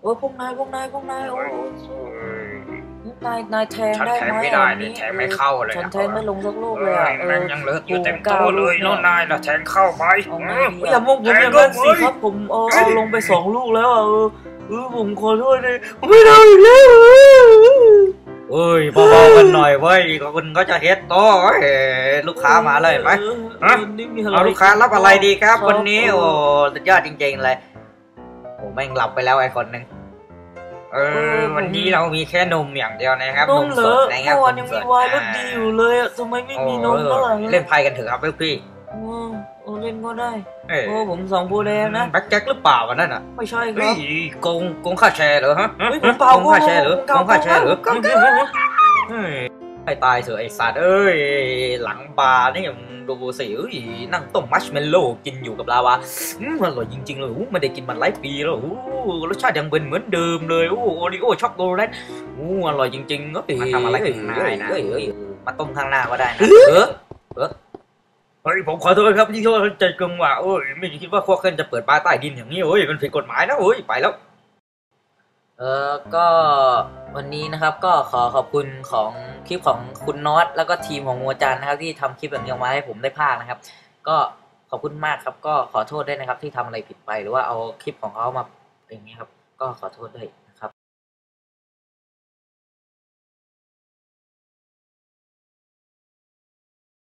พวกนายโอ้นายแทงฉันได้ไหมแทงไม่ได้นี้เลยแทงไม่เข้าเลยฉันแทงไม่ลงสักลูกเลยอ่ะแม่งยังเหลืออยู่เต็มโต๊ะเลยแล้วนายล่ะแทงเข้าไปอย่ามองผมอย่างนั้นสิครับผมเอาลงไป2 ลูกแล้วผมขอโทษเลยผมไม่เอาอีกแล้วเอ้ยเบาๆกันหน่อยเว้ยคุณก็จะเฮ็ดโต๊ะลูกค้ามาเลยไหมเอาลูกค้ารับอะไรดีครับวันนี้โอ้สุดยอดจริงๆเลยโอ้แม่งหลับไปแล้วไอ้คนนึงวันนี้เรามีแค่นมอย่างเดียวนะครับนมสดนะครับวันยังมีวายรสดีอยู่เลยอ่ะทำไมไม่มีนมบ้างเล่นไพ่กันเถอะครับพี่เล่นก็ได้ผม2 โพแดงนะแบ็คแจ็คหรือเปล่าวันนั้นอ่ะไม่ใช่ครับโกงค่าแชร์เหรอฮะผมเปล่าโกงค่าแชร์เหรอให้ตายเถอะไอ้สัตว์หลังบาร์นี่ดูสินั่งต้มมัชเมลโล่กินอยู่กับลาวาอร่อยจริงๆเลยไม่ได้กินมันหลายปีแล้วรสชาติยังเป็นเหมือนเดิมเลยโอริโอช็อกโกแลตอร่อยจริงๆมาทำอะไรกันนะมาต้มข้างหน้าก็ได้นะผมขอโทษครับที่โทษใจกลงว่าไม่คิดว่าพวกเขาจะเปิดบาร์ใต้ดินอย่างนี้มันผิดกฎหมายนะไปแล้วก็วันนี้นะครับก็ขอขอบคุณของคลิปของคุณน็อตแล้วก็ทีมของงัวจันนะครับที่ทำคลิปแบบนี้มาให้ผมได้พากนะครับก็ขอบคุณมากครับก็ขอโทษด้วยนะครับที่ทำอะไรผิดไปหรือว่าเอาคลิปของเขามาอย่างนี้ครับก็ขอโทษด้วย